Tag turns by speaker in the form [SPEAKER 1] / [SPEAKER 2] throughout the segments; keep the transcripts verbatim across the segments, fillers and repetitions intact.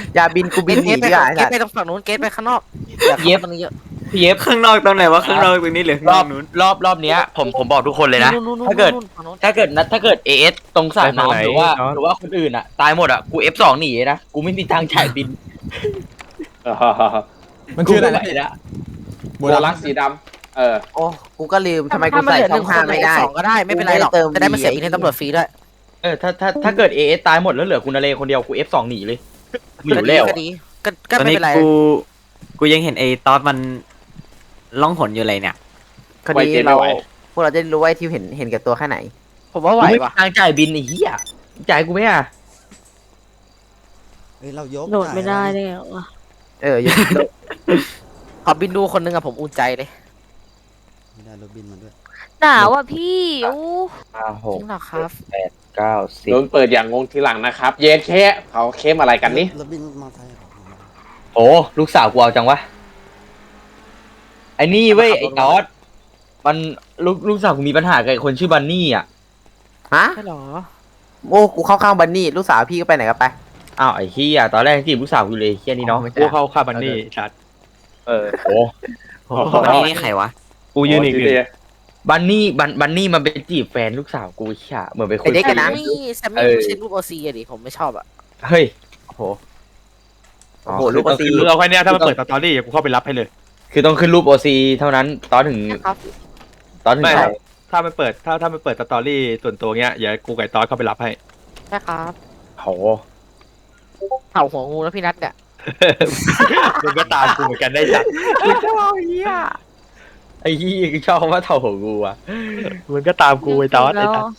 [SPEAKER 1] อย่าบินกูบินหนี
[SPEAKER 2] เกตไป
[SPEAKER 1] ดีกว่า
[SPEAKER 2] เกตไปตรงฝั่งนู้นเกตไปข้างนอกอย่าเข้ามาตรงนี้เยอะ
[SPEAKER 3] พี่เอฟข้างนอกตรงไหนวะข้างนอกตรงนี้หรือข้าง
[SPEAKER 4] ร
[SPEAKER 3] น
[SPEAKER 4] อ
[SPEAKER 3] อบ กนู้น
[SPEAKER 4] รอบรอบเนี้ยผมผมบอกทุกคนเลยนะ
[SPEAKER 2] นู่นๆๆๆ
[SPEAKER 4] ถ้าเกิด
[SPEAKER 2] ฝั่งนู้น
[SPEAKER 4] ถ้าเกิดนะถ้าเกิดเอสตรงสระ
[SPEAKER 5] ไปทางไหน
[SPEAKER 4] น้ำหรือว่า
[SPEAKER 5] เนอะ
[SPEAKER 4] หรือว่าคนอื่นอ่ะตายหมดอ่ะกูเอฟสองหนีนะกูไม่มีทางจ่ายบิน
[SPEAKER 6] มันชื่ออะไร
[SPEAKER 4] กูม่หว
[SPEAKER 6] นะ
[SPEAKER 4] ละ
[SPEAKER 7] โบลักสีดำเออ
[SPEAKER 1] โอ้กูก็ลืมทำไมกู
[SPEAKER 2] ถ้ามัน
[SPEAKER 1] ใส่
[SPEAKER 2] เหลือห
[SPEAKER 1] ช่อ
[SPEAKER 2] นึ่
[SPEAKER 1] ง
[SPEAKER 2] งค
[SPEAKER 1] ห้าน ไม่ได้
[SPEAKER 2] สองก็ได้ไม่เป็นไรหรอก
[SPEAKER 1] กูไม่ได้เติม
[SPEAKER 2] จะได้มาเสีย
[SPEAKER 1] V
[SPEAKER 2] บินให้ตำรวจฟรีด้วย
[SPEAKER 4] เออถ้าถ้าถ้าเกิดเอสตายหมดแล้วเหลือคุณนเรคนเดียวกูเอฟสองหนีเลยกูอยู่แล้ว
[SPEAKER 2] ก็
[SPEAKER 4] อะ
[SPEAKER 2] ดีก็ก็
[SPEAKER 3] ตอน
[SPEAKER 2] ไม่
[SPEAKER 3] นี้
[SPEAKER 2] เป็นไร
[SPEAKER 3] กูกูยังเห็นไอ้ตอสมันล่องหนอยู่เลยเนี่ย
[SPEAKER 1] คดีเราพวกเราจะได้รู้ว่าไอ้ที่เห็นเห็นแก่ตัวแค่ไหน
[SPEAKER 2] ผมว่าไหว
[SPEAKER 4] กูไม่มี
[SPEAKER 2] ว่ะ
[SPEAKER 4] ทางจ่ายบินไอ้เหี้ยจ่ายกูไหมอ่ะ
[SPEAKER 6] เฮ้ยเรายก
[SPEAKER 8] โดดไม่ได้เลยเหรอ
[SPEAKER 1] เอออยู่
[SPEAKER 2] ขอบินดูคนนึงอะผมอุ่นใจเลย
[SPEAKER 6] ไม่ได้รถบินมาด้วย
[SPEAKER 8] หนาวอ่ะพี่อู้
[SPEAKER 4] ห้าห
[SPEAKER 2] จ
[SPEAKER 4] ก
[SPEAKER 2] ริงเหรอครับ
[SPEAKER 4] แปดเก้าสิบ
[SPEAKER 7] โดนเปิดอย่างงงทีหลังนะครับ เย็นแค่เขาเข้มอะไรกันนี่
[SPEAKER 6] รถบินมอเตอร์ไซค์เหรอ
[SPEAKER 4] โอ้ลูกสาวกูเอาจังวะไอ้นี่เว้ยไอ้ตอสมันลูกลูกสาวกูมีปัญหากับไอ้คนชื่อบันนี่อ่ะ
[SPEAKER 1] ฮะ
[SPEAKER 2] ใช่เหรอ
[SPEAKER 1] โอ้กูเข้าข้างบันนี่ลูกสาวพี่ก็ไปไหนกันไป
[SPEAKER 4] อ้าวไอ้เหี้ยตอนแรกจีบลูกสาวกูเลยเหี้ยนี่เนาะ
[SPEAKER 1] ไม่ใช่
[SPEAKER 5] กูเข้าคาบันนี่ชัด
[SPEAKER 4] เออโอ้
[SPEAKER 3] วันนี้นี่ใครวะ
[SPEAKER 5] กูยืนอีก
[SPEAKER 7] โที
[SPEAKER 5] หนึ่ง
[SPEAKER 7] เดียว
[SPEAKER 4] บันนี่บันบันนี่มันไปจีบแฟนลูกสาวกูเหี้ยเหมือนไปคุย
[SPEAKER 1] ไอ้เด็ก
[SPEAKER 2] แซ
[SPEAKER 1] กั
[SPEAKER 2] ม
[SPEAKER 1] นนะ
[SPEAKER 2] มี่แซมมี่
[SPEAKER 4] เออ
[SPEAKER 2] ไม่ใช่รูปโอซีอะดิผมไม่ชอบอะ
[SPEAKER 4] เฮ้ย
[SPEAKER 1] โอ้โหโอ้โหลูกกระซี
[SPEAKER 5] คือเอาแค่เนี้ยถ้ามันเปิดสตอรี่กูเข้าไปรับให้เลย
[SPEAKER 4] คือต้องขึ้นรูปโอซีเท่านั้นตอนถึง
[SPEAKER 2] ครับ
[SPEAKER 4] ตอนถึง
[SPEAKER 5] ไม่
[SPEAKER 4] เขา
[SPEAKER 5] ถ้ามันเปิดถ้าถ้ามันเปิดสตอรี่ส่วนตัวเงี้ยอย่ากูไก่ตอนเข้าไปรับให้
[SPEAKER 2] ใช่ครับ
[SPEAKER 4] โห
[SPEAKER 2] เห่าหัวงูแล้วพี่นัทเนี่ย
[SPEAKER 5] มึงก็ตามกูเหมือนกันได้จัด
[SPEAKER 4] กูชอบเหี้ยไอ้เหี้ยกูชอบคำว่าเท่าหัวกูอ่ะ
[SPEAKER 5] มึงก็ตามกูไอ้ตอน
[SPEAKER 8] แล้
[SPEAKER 5] ไอ้
[SPEAKER 8] ว
[SPEAKER 5] ตอน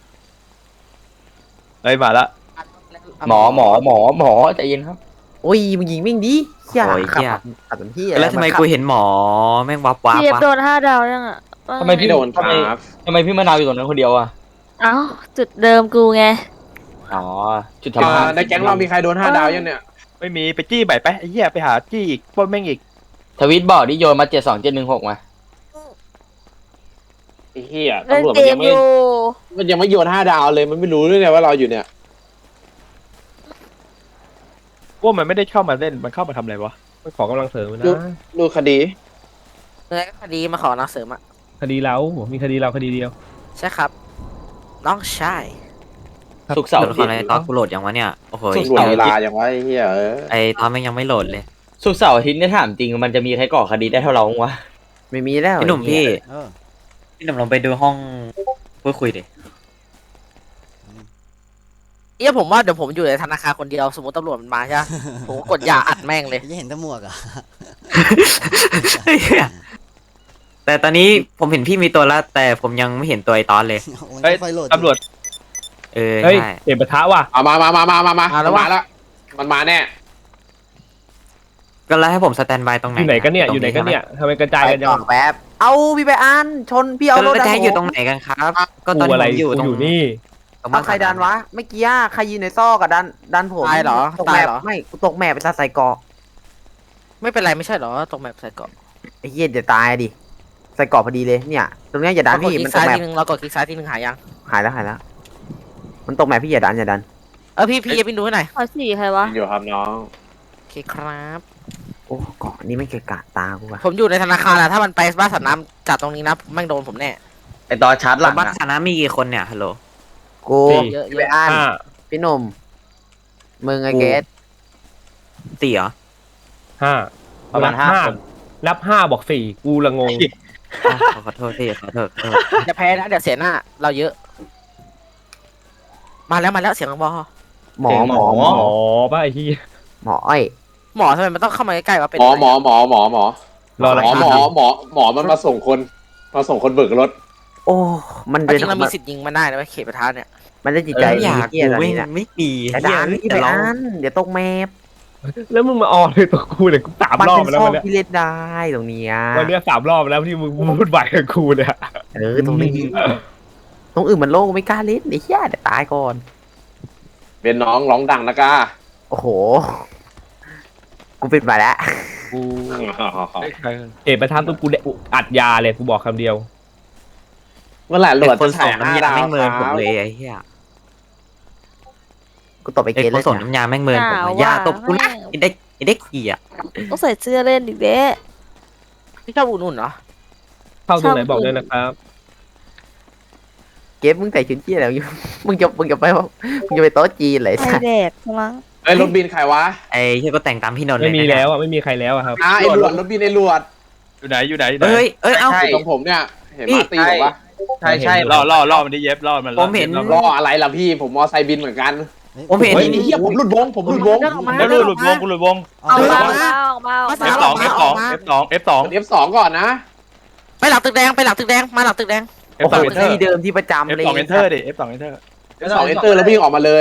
[SPEAKER 5] ไอ้ยมาละ
[SPEAKER 4] หมอหมอหมอหมอใจเย็นครับ
[SPEAKER 1] โอ้ยมึงยิงวิ่งดิเฮีย
[SPEAKER 3] โอ้ย
[SPEAKER 1] ขับ
[SPEAKER 3] เหี้ย
[SPEAKER 1] ขับเป็นที่
[SPEAKER 3] แล้วทำไมกูเห็นหมอแม่งวับวับ
[SPEAKER 8] พี่เอฟ
[SPEAKER 3] วะ
[SPEAKER 8] โดนห้าดาวยังอ่ะว่า
[SPEAKER 4] ทำไม
[SPEAKER 8] ไง
[SPEAKER 4] พี่
[SPEAKER 7] ไม่โดนค
[SPEAKER 4] ทำไม
[SPEAKER 7] รับ
[SPEAKER 4] ทำไมพี่มะนาวอยู่ตรงนั้นคนเดียวอ่ะ
[SPEAKER 8] เอ้าจุดเดิมกูไง
[SPEAKER 4] อ๋อจุด
[SPEAKER 7] อ่า
[SPEAKER 4] ทำงาน
[SPEAKER 7] ในแก๊งเรามีใครโดนห้าดาวยังเนี่ย
[SPEAKER 5] ไม่มีไปจี้ใบไปไอ้เหี้ยไปหาจี้อีกปล้นแม่งอีก
[SPEAKER 4] ทวิตบอกที่โยนมาเจ็ดสองเจ็ดหนึ่งหกมา
[SPEAKER 7] ไอ้เหี้ย
[SPEAKER 8] เล่น
[SPEAKER 7] ตำรวจ
[SPEAKER 8] เก
[SPEAKER 7] มันยั
[SPEAKER 8] ม
[SPEAKER 7] ง
[SPEAKER 8] อ
[SPEAKER 7] ไม่
[SPEAKER 8] ยู่
[SPEAKER 7] มันยังไม่โยนห้าดาวเลยมันไม่รู้ด้วยเนี่ยว่าเราอยู่เนี่ย
[SPEAKER 5] ว่ามันไม่ได้เข้ามาเล่นมันเข้ามาทำอะไรวะ
[SPEAKER 6] ไปขอกำลังเสริมนะ
[SPEAKER 7] ดูคดี
[SPEAKER 2] เนื้อคดีมาขอนักเสริมอะ
[SPEAKER 6] คดีเรามีคดีเราคดีเดียว
[SPEAKER 2] ใช่ครับ น้องชาย
[SPEAKER 4] สุกร์เสาร์
[SPEAKER 3] โหล
[SPEAKER 4] อา
[SPEAKER 3] ด
[SPEAKER 4] ทิ
[SPEAKER 3] ข
[SPEAKER 4] ต
[SPEAKER 3] อง
[SPEAKER 4] ย์
[SPEAKER 3] ไอ้ตอสกูโหลดยังวะเนี่ยโอ้โห
[SPEAKER 4] สุด
[SPEAKER 7] ตำรวจเวลาอย่างว่าไอ้เหี้ยเออ
[SPEAKER 3] ไอ้ตอสแม่งยังไม่โหลดเลย
[SPEAKER 4] สุกร์เสาร์อาทิตย์เนี่ยถามจริงมันจะมีใครก่อคดีได้เท่าเราบ้างวะ
[SPEAKER 1] ไม่มีแล้ว
[SPEAKER 3] พี่หนุ่มพี่
[SPEAKER 6] เออ
[SPEAKER 3] พี่หนุ่มลองไปดูห้องพูดคุยดิ
[SPEAKER 2] เอี้ยผมว่าเดี๋ยวผมอยู่ในธนาคารคนเดียวสมมติตำรวจมันมาใช่ไหมผมก็กดยาอัดแม่งเลย
[SPEAKER 6] ยังเห็นแตะหมวกอ่ะ
[SPEAKER 3] แต่ตอนนี้ผมเห็นพี่มีตัวแล้วแต่ผมยังไม่เห็นตัวไอ้ตอสเลย
[SPEAKER 5] เฮ้ย
[SPEAKER 6] ไฟโหลด
[SPEAKER 5] ตำรวจ
[SPEAKER 3] เออ
[SPEAKER 5] เฮ้ย
[SPEAKER 3] ใช่
[SPEAKER 5] เปลี่ยนปะทะว่ะ
[SPEAKER 7] เอามามามามามามา
[SPEAKER 2] มาแล้ว
[SPEAKER 7] มาว
[SPEAKER 2] ะ
[SPEAKER 7] แล้ว มันมาแน่
[SPEAKER 3] ก็แล้วให้ผมสแตนบายตรงไหน
[SPEAKER 5] อยู่ไหนกันเนี่ย
[SPEAKER 3] ตรง
[SPEAKER 5] อยู่ไหนกันเนี่ยทำไมกระจาย
[SPEAKER 1] ไป
[SPEAKER 5] กันจั
[SPEAKER 1] ก่อง นแป๊บเอาพี่ไปอ่านชนพี่เอา
[SPEAKER 3] เอา
[SPEAKER 1] ร
[SPEAKER 3] ร
[SPEAKER 1] ถ
[SPEAKER 3] ถ
[SPEAKER 1] ดัน
[SPEAKER 3] จะให้
[SPEAKER 1] ผม
[SPEAKER 3] อยู่ตรงไหนกันครับ ก็ตอน
[SPEAKER 5] กู
[SPEAKER 3] นี้
[SPEAKER 5] อะไร
[SPEAKER 3] ผมอยู่
[SPEAKER 5] กู
[SPEAKER 3] ตรง
[SPEAKER 5] อยู่นี่
[SPEAKER 3] ตรง
[SPEAKER 1] เอาใครดันวะเมื่อกี้อะใครยืนในซอกกับดันดันผม
[SPEAKER 2] ตายเหรอ
[SPEAKER 1] ตก
[SPEAKER 2] ตา
[SPEAKER 1] แม
[SPEAKER 2] ย
[SPEAKER 1] ป
[SPEAKER 2] เหรอ
[SPEAKER 1] ไม่กูตกแมปไปซะใส่เกาะ
[SPEAKER 2] ไม่เป็นไรไม่ใช่เหรอตรงแมปใส่เกาะ
[SPEAKER 1] ไอ้เหี้ยเดี๋ยวตายดิใส่เกาะพอดีเลยเนี่ยตรงเนี้ยอย่าดัน
[SPEAKER 2] เรากด
[SPEAKER 1] พี่
[SPEAKER 2] คลิ
[SPEAKER 1] มัน
[SPEAKER 2] ก
[SPEAKER 1] ต
[SPEAKER 2] ซ้าก ย
[SPEAKER 1] แมป
[SPEAKER 2] ทีนึงเรากดคลิกซ้ายทีนึงหายัง
[SPEAKER 1] หายแล้วหายแล้วมันตกแมปพี่อย่าดันอย่าดัน
[SPEAKER 2] เออพี่พี่อย่าไปดูให้หน่อย
[SPEAKER 8] ขอสี่ใครวะ
[SPEAKER 7] อยู่ครับน้อง
[SPEAKER 2] โอเคครับ
[SPEAKER 1] โอ้เกาะนี่ไม่เกะกะตากูว่ะ
[SPEAKER 2] ผมอยู่ในธนาคารอะถ้ามันไปบ้านสัตว์น้ำจัดตรงนี้นะแม่งโดนผมแน่
[SPEAKER 4] ไอตอนชาร์จหลัง
[SPEAKER 3] บ้าน
[SPEAKER 4] อะ
[SPEAKER 3] ฐานะมีกี่คนเนี่ยฮัลโหล
[SPEAKER 1] กู
[SPEAKER 5] สี่
[SPEAKER 2] เยอะ
[SPEAKER 1] พี่
[SPEAKER 2] เย
[SPEAKER 1] ไป
[SPEAKER 2] อะ
[SPEAKER 1] อ่าน
[SPEAKER 5] ห้า
[SPEAKER 1] พี่หนุ่มมึงไอ้
[SPEAKER 3] กู
[SPEAKER 1] เกส
[SPEAKER 3] สี่เหรอ
[SPEAKER 5] ห้า
[SPEAKER 4] ประมาณห้าคน
[SPEAKER 5] นับห้าบอกสี่กูละงง
[SPEAKER 3] อ่ะขอขอโทษพี่ขอโทษขอโทษ
[SPEAKER 2] จะแพ้นะเดี๋ยวเสียหน้าเราเยอะ มาแล้วมาแล้วเสียงบอ
[SPEAKER 1] หมอหมอ
[SPEAKER 5] หมอป่ะไอ้ที่
[SPEAKER 1] หมออ้อย
[SPEAKER 2] หมอทำไมมันต้องเข้ามาใกล้ๆวะเป็น
[SPEAKER 7] หมอ
[SPEAKER 2] ไร
[SPEAKER 7] หมอหมอหมอหมอ
[SPEAKER 5] รออะไร
[SPEAKER 7] หมอหมอหมอหมอมันมาส่งคนมาส่งคนเบิกรถ
[SPEAKER 1] โอ้มัน
[SPEAKER 2] จ
[SPEAKER 1] เดิน
[SPEAKER 2] ริงๆเรามีสิทธิ์ยิงมันได้นะเว้ยเขตประธานเนี่ย
[SPEAKER 1] มันได้จิตใจ
[SPEAKER 3] ไม่อยาก
[SPEAKER 1] เหี้ย
[SPEAKER 3] กู
[SPEAKER 1] ตอน
[SPEAKER 3] ไม่
[SPEAKER 1] นี้เนี่ย
[SPEAKER 3] ไม่มี
[SPEAKER 1] อย่า
[SPEAKER 3] เหี้ย
[SPEAKER 1] ดันพี่
[SPEAKER 3] แต่
[SPEAKER 1] ไป
[SPEAKER 3] เรา
[SPEAKER 1] อ่านเดี๋ยวตกแมป
[SPEAKER 5] แล้วมึงมาออนเลยตัวกูเนี่ยกูสาม
[SPEAKER 1] มัน
[SPEAKER 5] รอบ
[SPEAKER 1] เป็น
[SPEAKER 5] แล้ว
[SPEAKER 1] ซอ
[SPEAKER 5] วั
[SPEAKER 1] ก
[SPEAKER 5] นเนี้ย
[SPEAKER 1] ที่เล่นได้ตรงเนี้ย
[SPEAKER 5] วันเนี้ยสามรอบแล้วที่มึงพูดไหวกับกูเนี่ย
[SPEAKER 1] เออตรงนี้ตรงอื่นมันโล่งไม่กล้าเล่นไอ้เหี้ยเดี๋ยวตายก่อน
[SPEAKER 7] เป็นน้องร้องดังนะก้า
[SPEAKER 1] โอ้โหกูปิดมาแล้ว
[SPEAKER 5] กูเอกประธานตัวกูเนี่ยอัดยาเลยกูบอกคำเดียว
[SPEAKER 7] เมื่อไหร่หล
[SPEAKER 3] เป็น
[SPEAKER 7] วด
[SPEAKER 3] คน
[SPEAKER 7] จะ
[SPEAKER 3] ส่
[SPEAKER 7] ถ่าง ยห้า
[SPEAKER 3] น้ำยา
[SPEAKER 7] ดาว
[SPEAKER 3] ไม่เมิน
[SPEAKER 7] ค
[SPEAKER 3] ผม
[SPEAKER 7] รับ
[SPEAKER 3] เลยไอ้เหี้ย
[SPEAKER 1] กูตบไป
[SPEAKER 3] ไอ้
[SPEAKER 1] เกต
[SPEAKER 3] ผ
[SPEAKER 1] เลย
[SPEAKER 3] สมน้ำยาแม่งเมินผมอะอย่าตบกูนะไอ้เด็กไอ้เด็กขี้อ่ะ
[SPEAKER 8] ต้องใส่เสื้อเล่นอีกเด้
[SPEAKER 2] พี่ชอบอุ่นๆเหรอ
[SPEAKER 6] เข้าตรงไหนบอกด้วยนะครับ
[SPEAKER 1] เกตมึงใส่ชุดเจี๊ยอะไรอยู่ มึงจะมึงจะไปว่ามึงจะไปโต๊ะจีนเลย
[SPEAKER 8] ไอแดกมั้ง
[SPEAKER 7] เอ้ยรถบินใครวะ
[SPEAKER 3] ไอ้เฮียก็แต่งตามพี่นนท์เล
[SPEAKER 6] ไม่
[SPEAKER 3] ย
[SPEAKER 6] มี
[SPEAKER 3] นะ
[SPEAKER 6] แล้วอ่ะไม่มีใครแล้วอะครับ
[SPEAKER 7] อ่าไอ้หลวดรถบินไอ้หลวด
[SPEAKER 5] อยู่ไหนอยู่ไหนอยู่ไหน
[SPEAKER 3] เฮ้ยเอ้ยเอ้า
[SPEAKER 4] ใช่
[SPEAKER 7] ตรงผมเนี่ยเห็นมาตีผมปะ
[SPEAKER 4] ใช่ใช่
[SPEAKER 5] ล่อล่อล่อมันได้เย็บล่อมัน
[SPEAKER 3] ผมเห็น
[SPEAKER 7] รออะไรล่ะพี่ผมมอไซค์บินเหมือนกัน
[SPEAKER 3] ผมเห็น
[SPEAKER 7] เฮ้ยเฮียผมหลุดวงผมหลุดวง
[SPEAKER 5] แล้วหลุดหลุดวงกูหลุดวง
[SPEAKER 8] เอามาเอามาเอา
[SPEAKER 5] เอ
[SPEAKER 8] มา
[SPEAKER 5] ฟสองเอฟสองเอฟสองเอฟสอง
[SPEAKER 7] เอฟสองก่อนนะ
[SPEAKER 2] ไปหลังตึกแดงไปหลังตึกแดงมาหลังตึกแดง
[SPEAKER 5] เอ
[SPEAKER 1] โอ้
[SPEAKER 5] ฟส
[SPEAKER 1] โห
[SPEAKER 5] องเอนเตอร์
[SPEAKER 1] ที่เดิมที่ประจำ
[SPEAKER 5] เอฟ
[SPEAKER 1] เลย
[SPEAKER 5] สองเอนเตอร์ดิเอฟสองเอนเตอร์
[SPEAKER 7] เอฟสองเอนเตอร์แล้ววิ่งออกมาเลย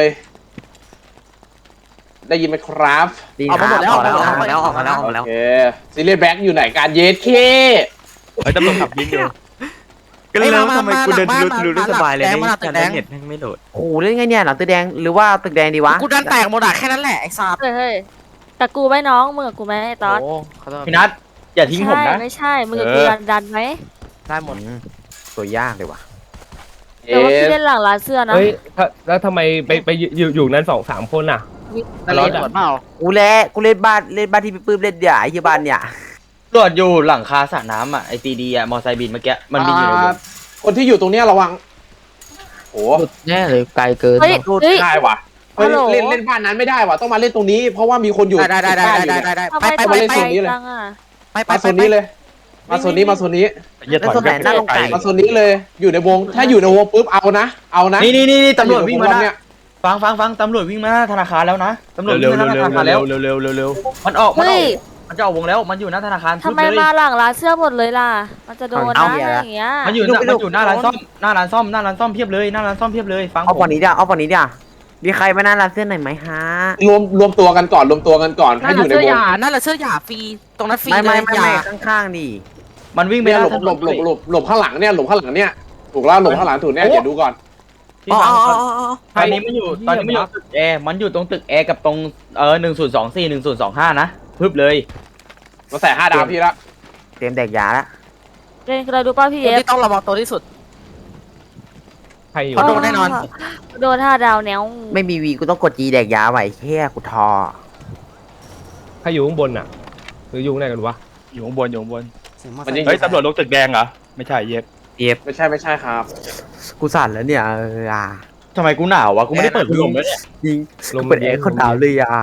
[SPEAKER 7] ได้ยินไหมครับ
[SPEAKER 1] ดี
[SPEAKER 2] เอามาหมดแล้ว
[SPEAKER 1] ออกแล้ว
[SPEAKER 2] เอา
[SPEAKER 1] ออก
[SPEAKER 2] มา
[SPEAKER 1] มา
[SPEAKER 2] แล้
[SPEAKER 1] แล้ว ว
[SPEAKER 2] อ
[SPEAKER 1] อ
[SPEAKER 2] อ
[SPEAKER 1] อก ก
[SPEAKER 2] มา
[SPEAKER 1] มา
[SPEAKER 2] แล้
[SPEAKER 1] แล้ว วออกมาแล้ว
[SPEAKER 7] โอเคซีเรียสแบ็กอยู่ไหนการเยสเค
[SPEAKER 5] เฮ้ยตำรวจขับยิงอยู่
[SPEAKER 3] ก็เลย
[SPEAKER 2] เอ้ยมา
[SPEAKER 3] ทำไม
[SPEAKER 2] มา
[SPEAKER 3] กูเดิน
[SPEAKER 2] มา
[SPEAKER 3] รู้
[SPEAKER 2] มา
[SPEAKER 3] รู้รู้
[SPEAKER 2] มา
[SPEAKER 3] สบายเลย
[SPEAKER 2] มาหลังตึกแดง
[SPEAKER 3] เน็ตแม่งไม่โหลด
[SPEAKER 1] โอ้โหเล่นไงเนี่ยหลังตึกแดงหรือว่าตึกแดงดีวะ
[SPEAKER 2] กูดันแตกหมดอะแค่นั้นแหละไอ้สัตว์
[SPEAKER 8] เฮ้ยเฮ้ยแต่กูไม่น้องมึงกับกูไหมไอ้ตอด
[SPEAKER 2] โอ้ขอโทษ
[SPEAKER 4] พี่นัทอย่าทิ้งผมนะ
[SPEAKER 8] ไม่ใช่มึงกับกูดันดันไหม
[SPEAKER 2] ได้หมด
[SPEAKER 1] อืมตัวยากเลยว่ะ
[SPEAKER 7] เอ
[SPEAKER 8] แต่ว่าพี่
[SPEAKER 7] ส
[SPEAKER 8] เล่นหลังร้านเสื้อนะ
[SPEAKER 6] เฮ้ยถ้าแล้วทำไมไปไปอยู่อยู่นั้นสองสามคนอ่ะ
[SPEAKER 2] นั่นเลยหมดเปล่า
[SPEAKER 1] กูเล่นกูเล่นบ้านเล่นบ้านที่พี่ปื้มเล่นเดี๋ยวไอ้เหี้ยบ้านเนี่ย
[SPEAKER 4] ตรวจอยู่หลังคาสระน้ำอ่ะไอซีดีอ่ะมอไซค์บินเมื่อกี้มันบินอยู่ในวง
[SPEAKER 7] คนที่อยู่ตรงเนี้ยระวังโอ้
[SPEAKER 1] แน่เลยไกลเกิน
[SPEAKER 8] เฮ้ยเฮ้ย
[SPEAKER 7] ได้ว่ะเฮ้ย
[SPEAKER 8] ฮัลโหล
[SPEAKER 7] เล่นเล่นบ้านนั้นไม่ได้ว่ะต้องมาเล่นตรงนี้ เพราะว่ามีคนอยู่
[SPEAKER 2] ได้ได้ได้ได้ได้ได้ได้
[SPEAKER 8] ทำ
[SPEAKER 2] ไป
[SPEAKER 8] ไม
[SPEAKER 2] ไป
[SPEAKER 8] ต่
[SPEAKER 2] ไป
[SPEAKER 8] อย
[SPEAKER 2] ไป
[SPEAKER 8] ไกลจังอ่ะ
[SPEAKER 2] ไปไป
[SPEAKER 7] มา
[SPEAKER 2] ไป
[SPEAKER 7] โซนนี้เลย มาโซนนี้มาโซนนี้
[SPEAKER 5] เหี้ยถอย
[SPEAKER 1] แล้วส่วนไหนหน้าลงไก่
[SPEAKER 7] มาโซนนี้เลยอยู่ในวง ถ้าอยู่ในวงปุ๊บเอานะ เอานะ
[SPEAKER 4] นี่นี่นี่นี่ตำรวจวิ่งมาห
[SPEAKER 7] เนี่
[SPEAKER 4] น้าย ฟังฟังฟังตำรวจวิ่งมาหน้าธนาคารแล้วนะตำรวจ
[SPEAKER 5] เร็ว
[SPEAKER 4] วิ่ง
[SPEAKER 5] เร็ว
[SPEAKER 4] มาห
[SPEAKER 5] เร็ว
[SPEAKER 4] น้าธนาคาร
[SPEAKER 5] เร็
[SPEAKER 4] แล้ว
[SPEAKER 5] วเร็วเร็วเร็วเร็ว
[SPEAKER 4] มันออกมันอ
[SPEAKER 8] เฮ้
[SPEAKER 4] อย กมันจะออกวงแล้วมันอยู่หน้าธนาคาร
[SPEAKER 8] ทำไม
[SPEAKER 4] ปึ๊บเลย
[SPEAKER 8] มาหลังร้านเสื้อหมดเลยล่ะ มันจะโดน
[SPEAKER 1] เอา
[SPEAKER 8] นะ
[SPEAKER 1] เหี้ย
[SPEAKER 8] อะไร
[SPEAKER 1] ละ
[SPEAKER 8] อย่างเงี้ย
[SPEAKER 4] มันอยู่หน้ามันอยู่หน้าร้านซ่อมหน้าร้านซ่อมหน้าร้านซ่อมเพียบเลยหน้าร้านซ่อมเพียบเลยฟัง
[SPEAKER 1] เอา
[SPEAKER 4] ผม
[SPEAKER 1] ฝั่งนี้เดี๋ยวเอาฝั่งนี้เดี๋ยวมีใครมาหน้าร้านเสื้อหน่อยไหมฮะ
[SPEAKER 7] รวมรวมตัวกันก่อนรวมตัวกันก่อน
[SPEAKER 2] นั่
[SPEAKER 7] ถ้าน อ
[SPEAKER 2] แหละ
[SPEAKER 7] ยู่ใน
[SPEAKER 2] เสื้อ
[SPEAKER 7] ว
[SPEAKER 2] ห
[SPEAKER 7] ง
[SPEAKER 2] ยานั่นแหละเสื้อหยาฟรีตรงนั้นฟรี
[SPEAKER 1] ไม่
[SPEAKER 2] เล
[SPEAKER 1] ไม่
[SPEAKER 2] ย
[SPEAKER 1] ไม่
[SPEAKER 2] หยา
[SPEAKER 1] ไม่ข้างๆดิ
[SPEAKER 4] มันวิ่งไป
[SPEAKER 7] เนี่ย
[SPEAKER 4] ห
[SPEAKER 7] หล
[SPEAKER 4] น้า
[SPEAKER 7] บหลบหลบหลบหลบข้างหลังเนี่ยหลบข้างหลังเนี่ยถูกแล้วหลบข้างหลังถูกเนี่ยเดี๋ยวดูก่อน
[SPEAKER 4] ที่
[SPEAKER 2] อ๋อ
[SPEAKER 4] ฟัง
[SPEAKER 2] อ๋ออ๋อ
[SPEAKER 4] ตอนนี้มันอยู่ตอนนี้มันอยู่ตึกแอร์มันอยู่ตรงตึกแอร์กับตรงเออหนึ่งศูนย์สองสี่หนึ่งศูนย์สองห้านะพึบเลย
[SPEAKER 7] มาใส่ห้าดาวพี่ละ
[SPEAKER 1] เตรียมแดกยาละ
[SPEAKER 8] เล่นเราดูป้าพี่
[SPEAKER 2] ค
[SPEAKER 8] เอน ฟ
[SPEAKER 2] ที่ต้องระวังตัวที่สุด
[SPEAKER 6] ใครอยู่
[SPEAKER 2] เขาโดนแน่นอน
[SPEAKER 8] โดนห้าดาวแนว
[SPEAKER 1] ไม่มีวีกูต้องกดจีแดกยาไว้แค่กูทอ
[SPEAKER 6] ใครอยู่ข้างบนอ่ะหรืออยู่ข้างไหนกันวะ
[SPEAKER 5] อยู่ข้างบนอยู่ข้างบน
[SPEAKER 7] มันยัง
[SPEAKER 5] เฮ้ยตำรวจลงตึกแดงเหรอไม่ใช่เย็บ
[SPEAKER 7] ไม่ใช่ไม่ใช่ครับ
[SPEAKER 1] กูสั่นแล้วเนี่ยเอออ่ะ
[SPEAKER 4] ทำไมกูหนาววะกูไม่ได้เปิดพัดลมเลยเนี่ย
[SPEAKER 1] ยิง
[SPEAKER 6] ลม
[SPEAKER 1] เปิดแอร์คนหนาวเลยอ่ะ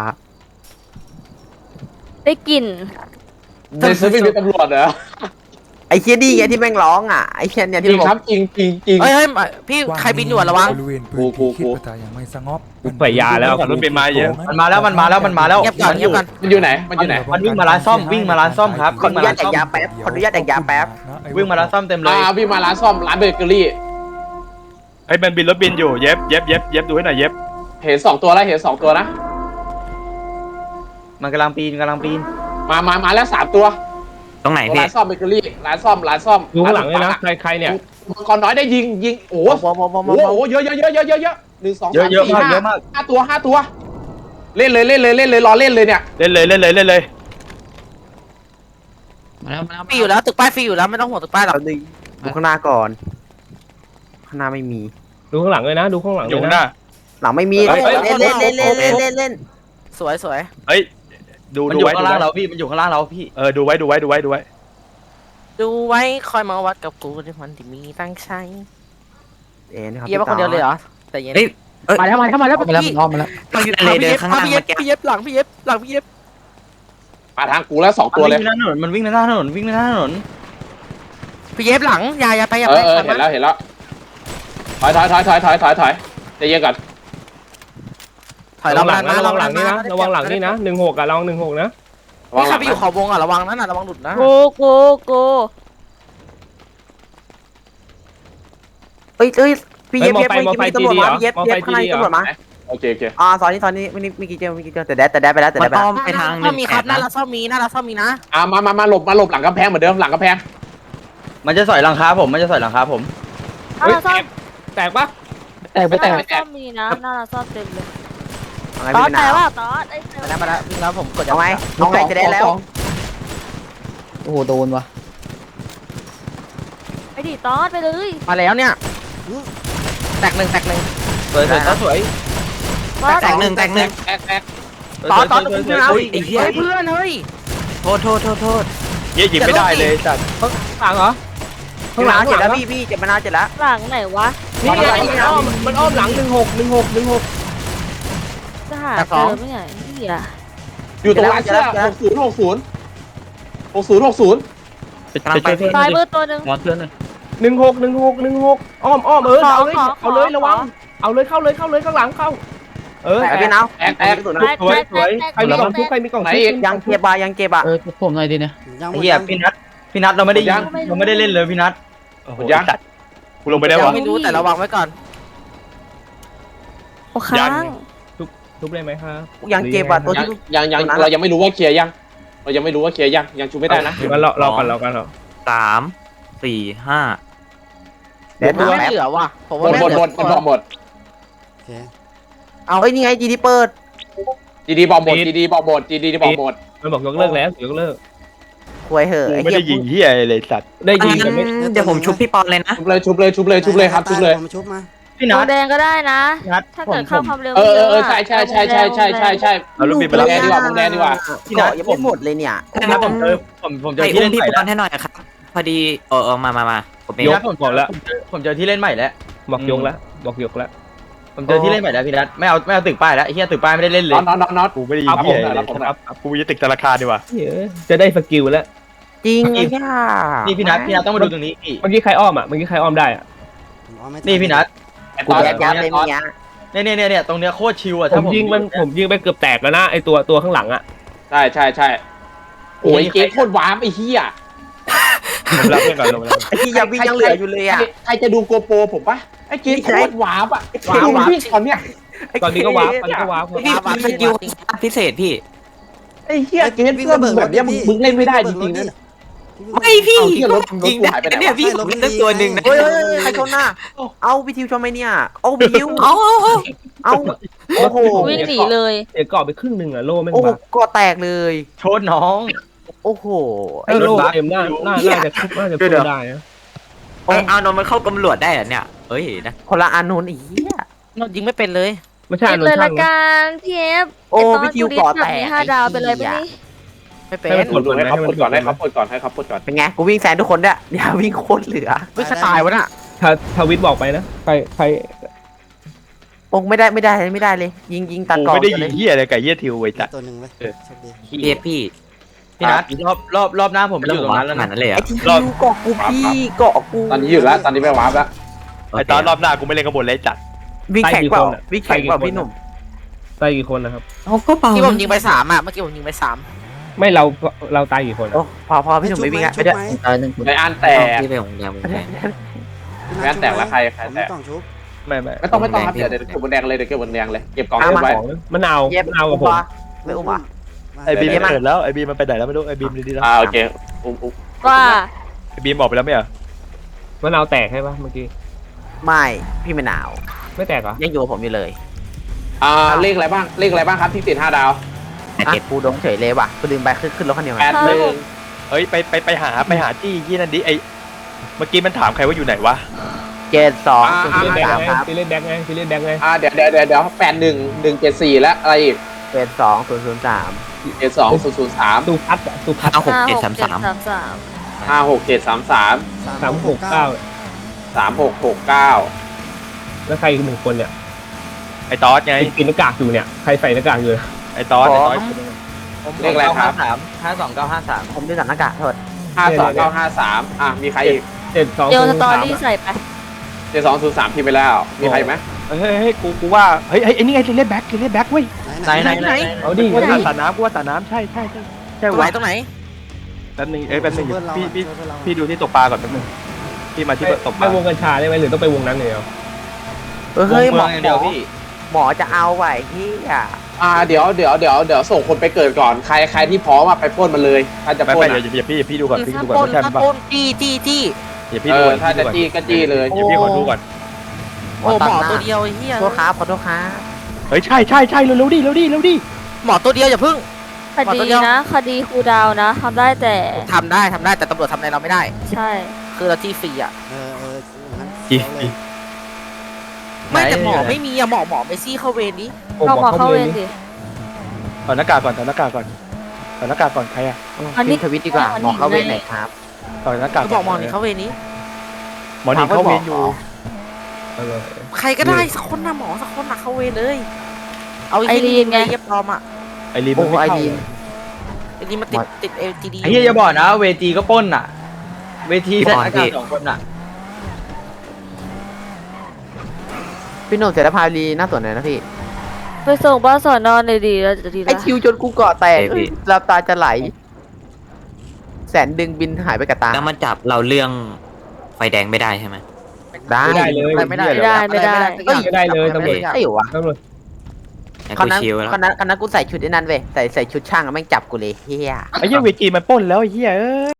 [SPEAKER 8] ได้กลิ่น
[SPEAKER 7] ในซื้อไม่มีตำรวจเหรอ
[SPEAKER 1] ไอ้เคียดี้ไงที่แม่งร้องอ่ะไอ้เคียเนี่ย
[SPEAKER 7] จ
[SPEAKER 1] ที่
[SPEAKER 7] ริง
[SPEAKER 1] มันบ
[SPEAKER 7] ค
[SPEAKER 1] อ
[SPEAKER 7] รับ
[SPEAKER 1] ก
[SPEAKER 7] จริงจริงจริง
[SPEAKER 2] เฮ้ยเฮ้ยพี่ใครบินอยู่อะระวัง
[SPEAKER 9] บริเวณพื้น
[SPEAKER 7] กู
[SPEAKER 9] ที่
[SPEAKER 7] กู
[SPEAKER 9] คิดประทายังไม่สงบ
[SPEAKER 6] กูใส่ยาแล้ว
[SPEAKER 5] ขับรถเป็นมาเยอะ
[SPEAKER 4] มันมาแล้วมันมาแล้วมันมาแล้ว
[SPEAKER 2] เงียบก่อน
[SPEAKER 4] มันอ
[SPEAKER 2] เงียบ
[SPEAKER 4] ยู่
[SPEAKER 2] ก่อน
[SPEAKER 7] มันอยู่ไหนมันอยู่ไหน
[SPEAKER 4] มันวิ่งมาร้านซ่อมวิ่งมาร้านซ่อมครับ
[SPEAKER 1] ขออนุญาตแดกยาแป๊บขออนุญาตแดกยาแป๊บ
[SPEAKER 4] วิ่งมาร้านซ่อมเต็มเลย
[SPEAKER 7] อ่าพี่มาร้านซ่อมร้านเบเกอรี่
[SPEAKER 5] เฮ้ยมันบินรถบินอยู่เย็บเย็บเย็บเย็บดูให้หน่อยเย็บ
[SPEAKER 7] เห็นสองตัวแล้วเห็นสองตัวนะ
[SPEAKER 4] มันกำลังปีนกำลังปีน
[SPEAKER 7] มามามาแล้วสามตัว
[SPEAKER 3] ตรงไหนพี่
[SPEAKER 7] ร้านซ่อมเบเกอรี่ร้านซ่อมร้านซ่อม
[SPEAKER 6] อยู่ข้างหลังเลยนะใครใครเนี่ย
[SPEAKER 7] มังกรน้อยได้ยิงยิงโอ้
[SPEAKER 1] โอ้
[SPEAKER 7] โห
[SPEAKER 1] โหโอ้โหโอ้โห
[SPEAKER 7] โอ้โหเยอะเยอะเยอะเยอะเยอะเยอะหนึ่งสอง
[SPEAKER 4] เยอะ
[SPEAKER 7] สาม
[SPEAKER 4] เยอะ
[SPEAKER 7] สี่
[SPEAKER 4] มาก
[SPEAKER 7] ห้า
[SPEAKER 4] เยอะมาก
[SPEAKER 7] ห้าตัวห้าตัว เล่นเลยเล่นเลยเล่นเลยรอเล่นเลยเนี่ย
[SPEAKER 5] เล่นเลยเล่นเลยเล่นเลย
[SPEAKER 2] ฟรีอยู่แล้วตึกป้ายฟรีอยู่แล้วไม่ต้องห่วงตึกป้ายหรอก
[SPEAKER 1] เอาดิดูข้างหน้าก่อน ข้างหน้าไม่มี
[SPEAKER 6] ดูข้างหลังเลยนะ ดูข้างหลัง
[SPEAKER 5] อ
[SPEAKER 6] เล
[SPEAKER 5] ยู่
[SPEAKER 6] ย
[SPEAKER 5] ข้างห
[SPEAKER 6] นะ
[SPEAKER 5] น้า
[SPEAKER 1] หลังไม่มี
[SPEAKER 5] เฮ้ย
[SPEAKER 1] เล่นเล่นเล่นเล่นเล่นเล่นเล่น
[SPEAKER 2] สวยสวย
[SPEAKER 5] เฮ้ยดู
[SPEAKER 4] มัน
[SPEAKER 5] ดู
[SPEAKER 4] อยู่
[SPEAKER 5] ไว้
[SPEAKER 4] ข้า
[SPEAKER 5] ดู
[SPEAKER 4] งล่าง
[SPEAKER 5] ไว้
[SPEAKER 4] เราพี่มันอยู่ข้างล่างเราพี่
[SPEAKER 5] เออดูไว้ดูไว้ดูไว้ดูไว้
[SPEAKER 2] ดูไว้คอยมาวัดกับกูในวันที่มีตั้งใช้
[SPEAKER 1] เอ็นครับ
[SPEAKER 2] เย็บมาคนเดียวเลยเหรอแต่เย็น
[SPEAKER 3] เฮ้ย
[SPEAKER 2] มาแล้วมาแล้วมาแล้ว
[SPEAKER 1] มาแล้วมันอ้อมมาแล้ว
[SPEAKER 3] ต้องอยู่เลยเดินข้างล่าง
[SPEAKER 2] พี่เย็
[SPEAKER 3] เมื่
[SPEAKER 2] บ
[SPEAKER 3] อกี้
[SPEAKER 2] พี่เย็บหลังพี่เย็บหลังพี่เย็บ
[SPEAKER 7] มาทางกูแล้วสอง
[SPEAKER 4] มัน
[SPEAKER 7] ตัวเลย
[SPEAKER 4] วิ่งไปหน้าถนนมันวิ่งไปหน้าถนนวิ่งไปหน้าถนน
[SPEAKER 2] พี่เย็บหลังอย่าอย่าไปอย่า
[SPEAKER 7] เอ
[SPEAKER 2] ไป
[SPEAKER 7] อเออเห็นแล้วเห็นแล้วถอยถอยถอยถอยถอยถอยถอยใจเย็นก่อน
[SPEAKER 2] ถอย
[SPEAKER 6] ระ
[SPEAKER 2] เรา
[SPEAKER 6] วังหลังนะระวังหลังนี่นะ
[SPEAKER 2] เา
[SPEAKER 6] ระวังหลังนี่นะหนึ่งหกอะระวังหนึ่งหกนะ
[SPEAKER 2] นี่ใครไปอยู่ขอบวงอ่ะระวังนั่นน่ะระวังหลุดนะ
[SPEAKER 8] กูกูกู
[SPEAKER 1] เอ้ยเอ้ยพี่เย็บเย็บมีตำรวจมาพี่เย็บเย็บข้างในตำรวจมา
[SPEAKER 7] โอเคโอเค
[SPEAKER 1] อ่าตอนนี้ตอนนี้ไม่ไม่กี่เจอไม่กี่เจอแต่แดดแต่แดดไปแล้วแต่
[SPEAKER 3] มั
[SPEAKER 1] แด
[SPEAKER 3] น
[SPEAKER 1] ดไป
[SPEAKER 3] อ้
[SPEAKER 1] แล้
[SPEAKER 3] อ
[SPEAKER 1] ว
[SPEAKER 3] มไปทางห
[SPEAKER 2] ถ้า
[SPEAKER 3] นึ่ง
[SPEAKER 2] มี
[SPEAKER 3] แป
[SPEAKER 2] ครับ
[SPEAKER 3] ด
[SPEAKER 2] หน้า
[SPEAKER 3] นะ
[SPEAKER 2] เราซ่อมมีหน้าเราซ่อมมีนะ
[SPEAKER 7] อ่ามามามาหลบมาหลบหลังกำแพงเหมือนเดิมหลังกำแพง
[SPEAKER 4] มันจะสอยหลังคาผมมันจะสอยหลังคาผม
[SPEAKER 8] หน้าเราซ่อม
[SPEAKER 6] แตกปะ
[SPEAKER 1] แตก
[SPEAKER 8] ห
[SPEAKER 1] ไปแต
[SPEAKER 8] น้าก เราซ่อมมีนะหน้าเราซ่อมเต็มเลย
[SPEAKER 1] เอาไง
[SPEAKER 8] ตอ
[SPEAKER 1] พี่
[SPEAKER 8] ด
[SPEAKER 1] เป็น
[SPEAKER 8] แต่
[SPEAKER 1] หนาว
[SPEAKER 8] ว่าตอดไอ้เซล
[SPEAKER 2] มาแล้วมาแล้ววิ่งแล้วผมกด
[SPEAKER 1] เอาไงเอาไงจะได้แล้ว
[SPEAKER 10] โอ้โหโดนวะ
[SPEAKER 8] ไอ้ดิตอดไปเลย
[SPEAKER 2] มาแล้วเนี่ยแตกหนึ่งแตกหนึ่ง
[SPEAKER 4] สวยสวยสวย
[SPEAKER 3] แตกหนึ่งแตกหนึ่ง
[SPEAKER 7] แตกแตก
[SPEAKER 2] ตอนตอนเพื่อน
[SPEAKER 3] เฮ้ยไอ้เหี้ย
[SPEAKER 2] เฮ้ยเพื่อนเฮ้ย
[SPEAKER 3] โทษโทษโทษโทษ
[SPEAKER 5] เหี้ยยิงไม่ได้เลยจัด
[SPEAKER 6] หลังเหรอ
[SPEAKER 1] ข้างหลังเจ็บแล้วพี่พี่เจ็บมานานเจ็บแล้ว
[SPEAKER 8] หลังไหนวะ
[SPEAKER 6] นี่ไงมันอ้อมมันอ้อมหลังหนึ่งหกหนึ่งหกหนึ่งหก
[SPEAKER 8] จะหาเจอไม่ไหนเหี้ย
[SPEAKER 7] อยู่ตรงร้านเสื้อหกศูนย์หกศูนย์หกศูนย์หกศูนย์
[SPEAKER 3] กำลังไป
[SPEAKER 8] ซ้ายมือตัวหนึ่ง
[SPEAKER 5] นอนเพื่อนเลย
[SPEAKER 6] หนึ่งหกหนึ่งหกหนึ่งหกอ้อมอ้อมเออ
[SPEAKER 8] ขอ
[SPEAKER 6] เอาเลย
[SPEAKER 8] ขอ
[SPEAKER 6] เอาเลย
[SPEAKER 8] ขอ
[SPEAKER 6] ระวังเอาเลยเข้าเลยเข้าเลยข้างหลังเข้า เออ
[SPEAKER 1] แต่พี่น้าว
[SPEAKER 7] แตกแตก
[SPEAKER 8] แตก
[SPEAKER 6] สวยสวย
[SPEAKER 8] แตก
[SPEAKER 6] ใครมีกล่องชุบใครมีกล่อง
[SPEAKER 7] ไหน
[SPEAKER 6] ชุบ
[SPEAKER 7] อีก
[SPEAKER 1] ยังเจ็บอ่ะยังเจ็บอ่ะ
[SPEAKER 10] เออผมหน่อยดิเนี่ย
[SPEAKER 4] ไอ้เหี้ยพี่นัทพี่นัทเราไม่ได้ยิงเราไม่ได้เล่นเลยพี่นัท
[SPEAKER 5] ยังกูลงไปได้
[SPEAKER 2] ยั
[SPEAKER 5] วะ
[SPEAKER 2] งไม่รู้แต่ระวังไว้ก่อน
[SPEAKER 8] โอ้ค้าง
[SPEAKER 6] ชุบได้ไหมครับ
[SPEAKER 1] ยังเจ็บอ่ะตัว
[SPEAKER 7] ยัง
[SPEAKER 1] ที่
[SPEAKER 7] ยังยังเรายังไม่รู้ว่าเคลียร์ยัง เรายังไม่รู้ว่าเคลียร์ยังยังชูไม่ได้นะ
[SPEAKER 6] เดี๋ยวมันรอรอกันรอกันรอ
[SPEAKER 3] สามสี่ห้า
[SPEAKER 1] เดี๋ยว
[SPEAKER 2] ผม
[SPEAKER 1] ดู
[SPEAKER 2] ว่า
[SPEAKER 1] แป๊
[SPEAKER 2] ไม่
[SPEAKER 1] บ
[SPEAKER 2] เหลือว่ะผม
[SPEAKER 7] หม
[SPEAKER 2] ว่า
[SPEAKER 7] ด
[SPEAKER 2] ไม่
[SPEAKER 7] หมด
[SPEAKER 2] เหลื
[SPEAKER 7] หมดหมดหมด
[SPEAKER 1] เอาไอ้นี่ไงจีดีเปิด
[SPEAKER 7] จีดีบอกหมดจีดีบอกหมดจีดีบอกหมด
[SPEAKER 6] มันบอกยกเลิกแล้วยกเลิก
[SPEAKER 1] ควยเหอะ
[SPEAKER 5] กู
[SPEAKER 1] ไอ้
[SPEAKER 5] ไม่
[SPEAKER 1] เหี้
[SPEAKER 5] ได้ยิงเหี้ยเลยสัตว์
[SPEAKER 6] ได้ยิงแต่ไม่
[SPEAKER 3] เดี๋ยวผมชุบพี่ปอนเลยนะ
[SPEAKER 7] ชุบเลยชุบเลยชุบเลยชุบเลยครับชุบเลย
[SPEAKER 4] พี่
[SPEAKER 8] ว
[SPEAKER 4] นั
[SPEAKER 8] ง
[SPEAKER 4] ท
[SPEAKER 8] แดงก็ได้นะ
[SPEAKER 4] พี่นัท
[SPEAKER 8] ถ้า
[SPEAKER 4] ผม
[SPEAKER 8] เกิด
[SPEAKER 4] ผ
[SPEAKER 8] เข้าม ความเร็ว
[SPEAKER 7] เออ
[SPEAKER 8] ไม่
[SPEAKER 7] เออ
[SPEAKER 8] เย
[SPEAKER 7] เออ
[SPEAKER 8] อะ
[SPEAKER 7] ใช่ใช่ใช่ใช่ใช่ใช่ใช่
[SPEAKER 5] เอาลูกบินไป
[SPEAKER 7] ว
[SPEAKER 5] แล้ว
[SPEAKER 7] งแดงดีกว่าวงแดงดีกว่า
[SPEAKER 4] พี่นัท
[SPEAKER 1] เกาะยังไม่หมดเลยเนี่ย
[SPEAKER 4] พี่นัทผมเจอผมผมเจอ
[SPEAKER 3] ไอ้
[SPEAKER 4] ที่
[SPEAKER 3] อุ้ม
[SPEAKER 4] เล่น
[SPEAKER 3] พี่
[SPEAKER 4] ใหม่
[SPEAKER 3] ป
[SPEAKER 4] แล้
[SPEAKER 3] อ
[SPEAKER 4] วน
[SPEAKER 3] ให้หน่อยครับ พอดีเออเออมามามาผมเอง
[SPEAKER 4] พี่นัทผมบอกแล้วผมเจอที่เล่นใหม่แล้ว
[SPEAKER 6] บอกยกแล้วบอกยกแล้ว
[SPEAKER 4] ผมเจอที่เล่นใหม่แล้วพี่นัทไม่เอาไม่เอาตึกป้ายแล้วไอ้เหี้ยตึกป้ายไม่ได้เล่นเล
[SPEAKER 7] น็
[SPEAKER 4] ย
[SPEAKER 7] อตน็อตน็อตน็อต
[SPEAKER 5] กูไม่ได้ยิ
[SPEAKER 7] ครั
[SPEAKER 5] ง
[SPEAKER 7] บ
[SPEAKER 5] เหี้ย
[SPEAKER 7] ผม
[SPEAKER 5] เลย
[SPEAKER 7] ครับผม
[SPEAKER 5] ครับกูจะติดธนาคารดีกว่า
[SPEAKER 6] เฮ้ยจะได้สกิลแล้ว
[SPEAKER 1] จริงไอ้เหี้ย
[SPEAKER 4] นี่พี่นัทพี่นัทต้องมาดูตรงนี้พี่
[SPEAKER 6] เมื่อกี้ใครอ้อมอ่ะเมื่อกี้ใครอ้อมได้อ่ะ
[SPEAKER 4] นี่พี่นัท
[SPEAKER 1] กูแอบยับเลยเนี่ย
[SPEAKER 4] เนี่ยเนี่ยเนี่ยเนี่ยตรงเนี้ยโคตรชิวอ่ะ
[SPEAKER 6] ผมยิงมันผมยิงไปเกือบแตกแล้วนะไอตัวตัวข้างหลังอ่ะ
[SPEAKER 7] ใช่ใช่ใช่โอ้ยเกมโคตรว้ามไอ้เหี้ย
[SPEAKER 5] ผมรับเพื่อนก่อนลงแล้ว
[SPEAKER 1] ไอ้ที่ยังวิ่งยังเหลืออยู่เลยอ่ะ
[SPEAKER 7] ใครจะดูโกโปรผมปะไอ้เกมโคตรว้ามอ่ะ
[SPEAKER 1] ว้าว
[SPEAKER 7] ว้ามวิ่งตอนเนี้ย
[SPEAKER 6] ตอนนี้ก็วาร์ปตอนนี้ก็วาร์ปครับ
[SPEAKER 3] พี่สกิลพิเศษพี่
[SPEAKER 7] ไอ้เหี้ยเกมเพื่อนมึงแบบเนี้ยมึงมึงเล่นไม่ได้จริงๆนะ
[SPEAKER 3] ไม่พี่
[SPEAKER 7] เอาเหี้ยรถ
[SPEAKER 3] ยิงได้
[SPEAKER 7] รถกูหายไปไหนวะ
[SPEAKER 3] เนี่ยพี่ผมเป็นตั้งตัวหนึ่งนะ
[SPEAKER 1] เฮ้ยเฮ้ยเฮ้ยใครชนน่ะเอาพี่ทิวชนไหมเนี่ยเอาพี่ทิว
[SPEAKER 3] เอาเอาเอา
[SPEAKER 1] เอาโอ้โห
[SPEAKER 8] วิ่งหนีเลย
[SPEAKER 6] เดี๋ยวเกาะไปครึ่งหนึ่งอ่ะโล่แม่ง
[SPEAKER 1] โอ้โห
[SPEAKER 6] บา
[SPEAKER 1] ก็แตกเลย
[SPEAKER 4] โทษน้อง
[SPEAKER 1] โอ้โหไอ้
[SPEAKER 6] ถ้า
[SPEAKER 1] โล
[SPEAKER 6] โล่เต็มน่าน่าน่าจะคุบน่าจะคุบได้นะ
[SPEAKER 3] เอ้ยเอานนท์มันเข้ากำรวจได้เหรอเนี่ยเอ้ยนะ
[SPEAKER 1] คนละอานนท์ไอ้เหี้ย
[SPEAKER 2] นนยิงไม่เป็นเลย
[SPEAKER 6] ไม่ใช่
[SPEAKER 8] เก็
[SPEAKER 6] น
[SPEAKER 8] บ
[SPEAKER 6] น
[SPEAKER 8] เลย
[SPEAKER 6] ช่า
[SPEAKER 8] ละ
[SPEAKER 6] งนะ
[SPEAKER 8] กันพี่เอฟ
[SPEAKER 1] โอ้
[SPEAKER 8] ไตน
[SPEAKER 1] พี่ทิว
[SPEAKER 8] กู
[SPEAKER 1] ก่อ
[SPEAKER 8] ดิส
[SPEAKER 1] แต
[SPEAKER 8] แบบ
[SPEAKER 1] ก
[SPEAKER 8] นี้ห้าดาวไปเลยไปนี่
[SPEAKER 2] ไม่เป็น
[SPEAKER 6] ให้มัน
[SPEAKER 7] กดให้เขากดก่อนให้เขากดก่อนให้เขากดก่อน
[SPEAKER 1] เป็นไงกูวิ่งแซงทุกคนด้วยเดี๋ยววิ่งโคตรเหลือ
[SPEAKER 2] วิ่งสไตล์วะน่ะ
[SPEAKER 6] ถ้าทวิตบอกไปนะใครใคร
[SPEAKER 1] โอ้ไม่ได้ไม่ได้ไม่ได้เลย ยิงยิงตัด
[SPEAKER 5] กู
[SPEAKER 1] กรอบ
[SPEAKER 5] ไม่ได้
[SPEAKER 1] เล
[SPEAKER 5] ยิง
[SPEAKER 1] ย
[SPEAKER 5] เหี้ยอะไรกับเหี้ยทิวไอ้สัตว์
[SPEAKER 9] ตัวหนึ่งไหมโชคดี
[SPEAKER 3] เรียกพี่
[SPEAKER 4] พี่นัทรอบรอบรอบหน้าผมไป
[SPEAKER 3] ไม่
[SPEAKER 4] อ
[SPEAKER 3] ต้อยู่ ง
[SPEAKER 4] ตรง
[SPEAKER 3] ว่า
[SPEAKER 4] นั้นแล้วนะ
[SPEAKER 3] ขนาดนั้นเลยเหร
[SPEAKER 1] ไอ้
[SPEAKER 3] อ่ะ
[SPEAKER 1] ที่ทิวเกาะกูพี่เกาะกู
[SPEAKER 7] ตอนนี้หยุดแล้วตอนนี้ไม่ว้ามแล้ว
[SPEAKER 5] ไอ้ตอนรอบหน้ากูไม่เล่นกระบวนเลยจัด
[SPEAKER 1] วิ่งแข่งเปล่าวิ่งแข่งเปล่าพี่หนุ่ม
[SPEAKER 6] ตายกี่คนนะครับ
[SPEAKER 3] เอาก็เปล่า
[SPEAKER 2] ที่ผมยิงไปสามอ่ะเมื่อกี้ผมยิงไปสาม
[SPEAKER 6] ไม่เราเราตายกี่คนอะ
[SPEAKER 1] โอ้พอพอพี่หนุ่มไม่วิ่งอ่ะไม่ได้
[SPEAKER 10] ตายหนึ่งคน
[SPEAKER 7] ในอันแตก
[SPEAKER 3] พี่ไปของแดงผมแดง
[SPEAKER 7] แม่นแตกแล้วใครใครแตก
[SPEAKER 9] ต้องชุบ
[SPEAKER 6] ไม่ไม่
[SPEAKER 7] ไม่ต้องไม่ต้องครับเดี๋ยวเดี๋ยวเก็บบนแดงเลยเดี๋ยวเก็บบนแดงเลยเก็บกอง
[SPEAKER 6] เอา
[SPEAKER 7] เก็บ
[SPEAKER 6] มา
[SPEAKER 7] ไว้
[SPEAKER 6] ของมะนาว
[SPEAKER 1] เย็บ
[SPEAKER 6] มะนาวกับผม
[SPEAKER 1] ไม่อุ้มอ่ะ
[SPEAKER 5] ไอ้บีม
[SPEAKER 1] เดี๋ยว
[SPEAKER 5] มันเกิดแล้วไอ้บีมมันไปไหนแล้วไม่รู้ไอ้บีมดีๆแล้ว
[SPEAKER 7] อ่าโอเคอุ้มอุ้ม
[SPEAKER 8] ว่า
[SPEAKER 5] ไอ้บีมออกไปแล้วไม่เหรอ
[SPEAKER 6] มะนาวแตกใช่ปะเมื่อกี้
[SPEAKER 1] ไม่พี่ไม่หนาว
[SPEAKER 6] ไม่แตกเหรอ
[SPEAKER 1] ยังอยู่กับผมอยู่เลย
[SPEAKER 7] อ่าเลขอะไรบ้างเลขอะไรบ้างครับที่ติดห้าดาว
[SPEAKER 3] แต่
[SPEAKER 1] อ่ะ
[SPEAKER 3] เจ็ด
[SPEAKER 1] กูดงเฉยเลยว่ะกูลืมไปขึ้นขึ้นรถคันเดียว
[SPEAKER 7] แป
[SPEAKER 1] ไง
[SPEAKER 7] ดหนึ่ง
[SPEAKER 5] เฮ้ยไปไปไปหาไปหาจี้ยี่นั่นดิไอ้เมื่อกี้มันถามใครว่าอยู่ไหนวะ
[SPEAKER 1] เจ็ดสองศูน
[SPEAKER 6] ซี
[SPEAKER 1] ย์
[SPEAKER 6] เรียสแด
[SPEAKER 1] สาง ม
[SPEAKER 6] ไง
[SPEAKER 1] ครับ
[SPEAKER 6] ซีเรียสแดงไงซีเรียสแดงไง
[SPEAKER 7] อ่าเดี๋ยวเดี๋ยวเดี๋ยวเดี๋ยวแปดหนึ่งหนึ่งเจ็ดสี่และอะไรอีก
[SPEAKER 1] เจ็ดสองศูนย์ศูนย์สาม
[SPEAKER 7] เจ็ดสองศูนย์ศูนย์สาม
[SPEAKER 6] สุพัฒน์อะสุพัฒน์
[SPEAKER 3] เอาหก
[SPEAKER 8] ห้า
[SPEAKER 3] เจ็ด
[SPEAKER 8] หก
[SPEAKER 3] สาม
[SPEAKER 8] เจ็ด
[SPEAKER 3] สาม
[SPEAKER 8] สามสาม
[SPEAKER 7] ห้าหกเจ็ดสามสาม
[SPEAKER 6] สามหกเก้า
[SPEAKER 7] สามหกหกเก้า
[SPEAKER 6] แล้วใครอีกหนึ่งคนเนี่ย
[SPEAKER 5] ไอ้ตอสไง
[SPEAKER 6] กินหน้ากากอยู่เนี่ยใครใส่หน้ากากอยู่
[SPEAKER 5] ไอ้ตอสไอ้ตอส
[SPEAKER 7] เลขอะไรครับ
[SPEAKER 4] สามห้าสองเก้าห้าสาม
[SPEAKER 1] ผมด้วยสันหน้ากากโทษ
[SPEAKER 7] ห้าสองเก้าห้าสามอ่ะมีใครอีก
[SPEAKER 6] เจ็ดสอง
[SPEAKER 8] เดี๋ยว
[SPEAKER 6] ศู
[SPEAKER 8] ส
[SPEAKER 6] นย์
[SPEAKER 8] ตอ
[SPEAKER 6] สาม
[SPEAKER 8] รี่ใส่ไป
[SPEAKER 7] เจ็ดสองศูนย์สามพิมพ์ไปแล้วมีใครไหม
[SPEAKER 5] เฮ้ยเฮ้ยเฮ้ยกูกูว่าเฮ้ยเฮ้ยไอ้นี่ไงเล่นแบ็คเล่นแบ็คเว้ย
[SPEAKER 4] ไหนไหนไหน
[SPEAKER 6] เอาดิ
[SPEAKER 5] กูว่าสาน้ำกูว่าสาน้ำใช่ใช่ใช่ใช่
[SPEAKER 2] ไหว
[SPEAKER 5] วะ
[SPEAKER 2] ตรงไหน
[SPEAKER 5] แป๊บนึงเอ้ยแป๊บนึง
[SPEAKER 9] เพื่อนเรา
[SPEAKER 5] พี่พี่
[SPEAKER 9] ช่วยเพื่อนเรา
[SPEAKER 5] พี่ดูที่ตกปลาก่อนแป๊บนึงพี่มาที่ตกป
[SPEAKER 6] ไป
[SPEAKER 5] ลาว
[SPEAKER 6] งกัญชาได้ไหมหรือต้องไปวงนั้นเลยเหรอ
[SPEAKER 1] เออเฮ้ยหมอ
[SPEAKER 4] วงเมืองอย่างเดียวพี่
[SPEAKER 1] หมอจะเอาไว้ที่อ่ะ
[SPEAKER 7] อ่าเดี๋ยวเดี๋ยวเดี๋ยวเดี๋ยวส่งคนไปเกิดก่อนใครใครที่พร้อมอ่ะไปปล้นมันเลยถ้าจะ
[SPEAKER 5] ไม่
[SPEAKER 7] ปล้
[SPEAKER 5] ไม่
[SPEAKER 7] น
[SPEAKER 5] เดี๋ยว
[SPEAKER 7] อ่ะ
[SPEAKER 5] เดี๋ยวพี่พี่ดูก่อนพี่
[SPEAKER 2] ถ้า
[SPEAKER 5] ดูก่
[SPEAKER 2] ป
[SPEAKER 5] อน
[SPEAKER 2] น
[SPEAKER 5] ไม่ใช่
[SPEAKER 2] ถ้า
[SPEAKER 5] ป่ะ
[SPEAKER 2] ปนจี้จี้จี้
[SPEAKER 5] เดี๋ยวพี่
[SPEAKER 7] เอ
[SPEAKER 5] ดู
[SPEAKER 7] อ
[SPEAKER 5] ก่อน
[SPEAKER 7] ถ้าจะจี้ก็จี้เลย
[SPEAKER 5] เดี๋ยวพี่ขอดูก่อน
[SPEAKER 2] โอ้หมอตัวเดียวไอ้เหี้ย
[SPEAKER 1] โทษครับขอโทษครับ
[SPEAKER 5] เฮ้ยใช่ใช่ใช่เร็วเร็วดิเร็วดิเร็วดิ
[SPEAKER 2] หมอตัวเดียวอย่าพึ่ง
[SPEAKER 8] คดีนะ คดีครูดาวนะทำได้แต่
[SPEAKER 2] ทำได้ทำได้แต่ตำรวจทำอะไรเราไม่ได้
[SPEAKER 8] ใช่
[SPEAKER 2] คือเราจี้ฟรีอ่ะ
[SPEAKER 9] เออเอองั้น
[SPEAKER 5] จี
[SPEAKER 9] เอาเลย
[SPEAKER 2] ไม่แต่หมอไม่มีอะหมอหมอเมซี่เข้าเวรนี้
[SPEAKER 6] โอ้
[SPEAKER 8] เรา
[SPEAKER 6] หม
[SPEAKER 8] หม
[SPEAKER 6] อ
[SPEAKER 8] อ
[SPEAKER 6] เข้า
[SPEAKER 8] เข้า
[SPEAKER 6] เว
[SPEAKER 8] เว
[SPEAKER 6] ร
[SPEAKER 8] ร
[SPEAKER 6] นี่
[SPEAKER 8] สิ
[SPEAKER 5] ถอดหน้ากากก่อนถอดหน้ากากก่อนถอดหน้ากากก่อนใครอะ
[SPEAKER 8] อันนี้
[SPEAKER 1] พิมพ์ทวิตดีกว่าหมอเข้าเวรไหนครับ
[SPEAKER 5] ถอดหน้ากาก
[SPEAKER 2] ก็บอกหมอนี่เข้าเวรนี้
[SPEAKER 5] หมอหนิงเข้าเวรอยู่
[SPEAKER 6] เออ
[SPEAKER 2] ใครก็ได้สักคนนะหมอสักคนนะเข้าเวรเลย เอา
[SPEAKER 8] ไอรีนไง
[SPEAKER 2] เยียบปลอมอะ
[SPEAKER 5] ไอรีน
[SPEAKER 1] โอ้
[SPEAKER 5] มันไม่
[SPEAKER 1] ไอ
[SPEAKER 5] เข้า
[SPEAKER 1] ดีน
[SPEAKER 2] ไอรีนมาติดติดเอลจีดี
[SPEAKER 4] ไอ้เหี้ยอย่าบอกนะเวทีก็ปล้นอ่ะ เวทีใส่หน้ากากสองคนอ่ะ
[SPEAKER 1] พี่โหน่งเสรพาลีหน้าสวนไหนนะพี่
[SPEAKER 8] ไปส่งบ้านสอนอนเลยดีแล้วจะดี
[SPEAKER 1] ไอ
[SPEAKER 8] ละ
[SPEAKER 1] คิวจนกูเกาะแตกลาบตาจะไหล แสนดึงบินหายไปกับตา
[SPEAKER 3] แล้วมันจับเราเรื่องไฟแดงไม่ได้ใช่ไหม
[SPEAKER 1] ได้
[SPEAKER 5] ไม่ได้เลย
[SPEAKER 2] ไม่ได้
[SPEAKER 8] ไม่ได้ไม่ได้
[SPEAKER 5] ไม่ได้เลยตำรวจ
[SPEAKER 1] ไอ้วะ
[SPEAKER 5] ตำรวจ
[SPEAKER 3] ไอ้
[SPEAKER 1] ค
[SPEAKER 3] กู
[SPEAKER 1] นนั้น
[SPEAKER 3] ชิวแล้ว
[SPEAKER 1] คนนั้นคนนั้นกูใส่ชุดไอ้นั่นเว้ยใส่ใส่ชุดช่างอะแม่งจับกูเลยเฮีย
[SPEAKER 5] ไอ้เหี้ยเวจีมันปล้นแล้วไอ้เหี้ยเอ้ย